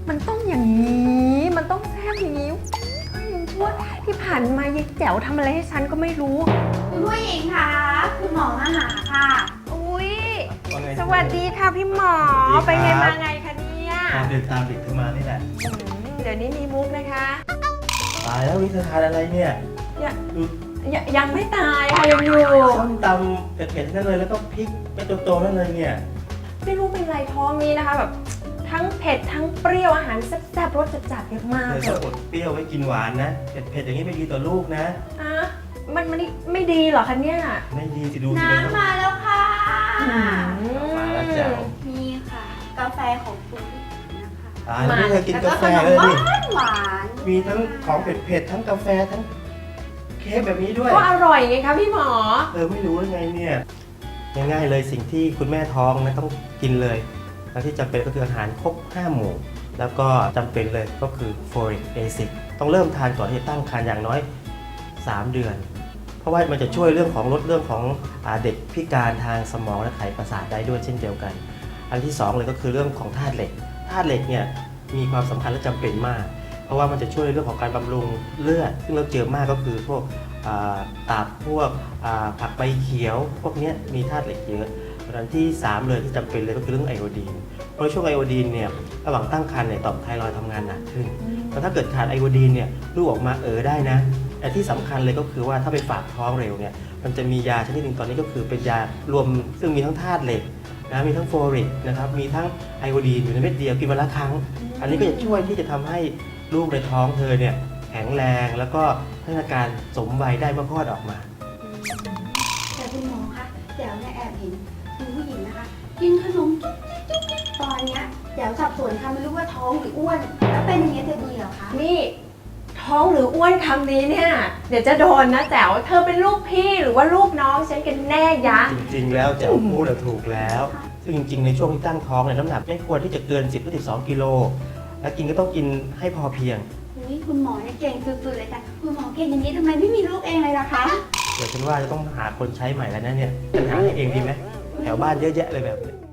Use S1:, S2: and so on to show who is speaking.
S1: มันต้องอย่างนี้มันต้องแซ่บอย่างนี้ก็ยังชั่วที่ผ่านมายายแจ๋วทำอะไรให้ฉันก็ไม่รู้
S2: คุณผู้หญิงคะคุณหมอมาหาค่ะ
S1: อุ้ยสวัสดีค่ะพี่หมอไปไงมาไงคะเนี่ย
S3: ตามเด็กขึ้นมานี่แหละ
S1: เดี๋ยวนี้มีมุกนะคะ
S3: ตายแล้วนี่เธอทานอะไรเนี่ย
S1: ยังไม่ตายค่ะยังอยู่
S3: ส้มตำเผ็ดๆนั่นเลยแล้วก็พริกเป็นโตๆนั่นเลยเนี่ย
S1: ไม่รู้เป็นไรท้องนี้นะคะแบบทั้งเผ็ดทั้งเปรี้ยวอาหารแซ่บๆรสจัดๆเยอะมาก
S3: เธอ
S1: เล
S3: จะ
S1: ย
S3: อดเปรี้ยวไว้กินหวานนะเผ็ดๆอย่างนี้ไม่ดีต่อลูกนะ
S1: อ่ะมันไม่ดีเหรอคะเนี่ย
S3: ไม่ดีสิดูสิเลย
S2: น้ำมาแล้วค่ะ
S3: มาแล้วแจ๋ว
S2: นี่ค่ะ กาแฟของคุณนะคะ
S3: ตายแล้วนี่เธอกิน
S2: แล้ว
S3: กา
S2: ก็
S3: แฟ
S2: ขนม
S3: เลย
S2: ห
S3: นี่
S2: วานหวาน
S3: มีทั้งของเผ็ดๆทั้งกาแฟทั้งเค้กแบบนี้ด้วย
S1: ก็อร่อยไงคะพี่หมอ
S3: เธอไม่รู้ได้ไงเนี่ยง่ายๆเลยสิ่งที่คุณแม่ท้องนะต้องกินเลยแล้วที่จำเป็นก็คืออาหารครบ5 หมู่แล้วก็จำเป็นเลยก็คือ folic acid ต้องเริ่มทานก่อนที่จะตั้งครรภ์อย่างน้อย3 เดือน เพราะว่ามันจะช่วยเรื่องของลดเรื่องของเด็กพิการทางสมองและไขประสาทได้ด้วยเช่นเดียวกัน อันที่2เลยก็คือเรื่องของธาตุเหล็กธาตุเหล็กเนี่ยมีความสำคัญและจำเป็นมาก เพราะว่ามันจะช่วยเรื่องของการบำรุงเลือดซึ่งเราเจอมากก็คือพวกตับพวกผักใบเขียวพวกนี้มีธาตุเหล็กเยอะอันที่3เลยที่จำเป็นเลยก็คือเรื่องไอโอดีนเพราะช่วงไอโอดีนเนี่ยระหว่างตั้งครรภ์เนี่ยต่อมไทรอยด์ทำงานหนักขึ้นแล้วถ้าเกิดขาดไอโอดีนเนี่ยลูกออกมาได้นะแต่ที่สำคัญเลยก็คือว่าถ้าไปฝากท้องเร็วเนี่ยมันจะมียาชนิดหนึ่งตอนนี้ก็คือเป็นยารวมซึ่งมีทั้งธาตุเหล็กนะมีทั้งโฟลิกนะครับมีทั้งไอโอดีนอยู่ในเม็ดเดียวกินวันละครั้งอันนี้ก็จะช่วยที่จะทำให้ลูกในท้องเธอเนี่ยแข็งแรงแล้วก็พัฒนาการสมวัยได้เมื่อคลอดออกมา
S2: แต่คุณหมอคะแจ๋วเนี่ยแอบเห็นคุณผู้หญิงนะคะ กินขนมจุ๊บจิ๊บจุ๊บจิ๊บตอนเนี้ยแจ๋วสับสนค่ะไม่รู้ว่าท้องหรืออ้วน แล้วเป็นอย่างนี้ยจะดีเหรอคะ
S1: นี่ท้องหรืออ้วนคำนี้เนี่ยเดี๋ยวจะโดนนะแจ๋วเธอเป็นลูกพี่หรือว่าลูกน้องฉันกันแน่ยะ
S3: จริงๆแล้วแจ๋วพูดถูกแล้ว ซึ่งจริงๆในช่วงที่ตั้งท้องเนี่ยน้ำหนักไม่ควรที่จะเกิน 10 หรือ 12 กิโลและกินก็ต้องกินให้พอเพียง
S2: นี่คุณหมอเนี่ยเก่งสุดๆเลยค่ะคุณหมอเก่งอย่างนี้ทำไมไม่มีลูกเองเลยล่ะคะ
S3: เดี๋ยวฉันว่าจะต้องหาคนใช้ใหม่แล้วนะเนี่ยฉันหาให้เองดีไหมแถวบ้านเยอะแยะเลยแบบนี้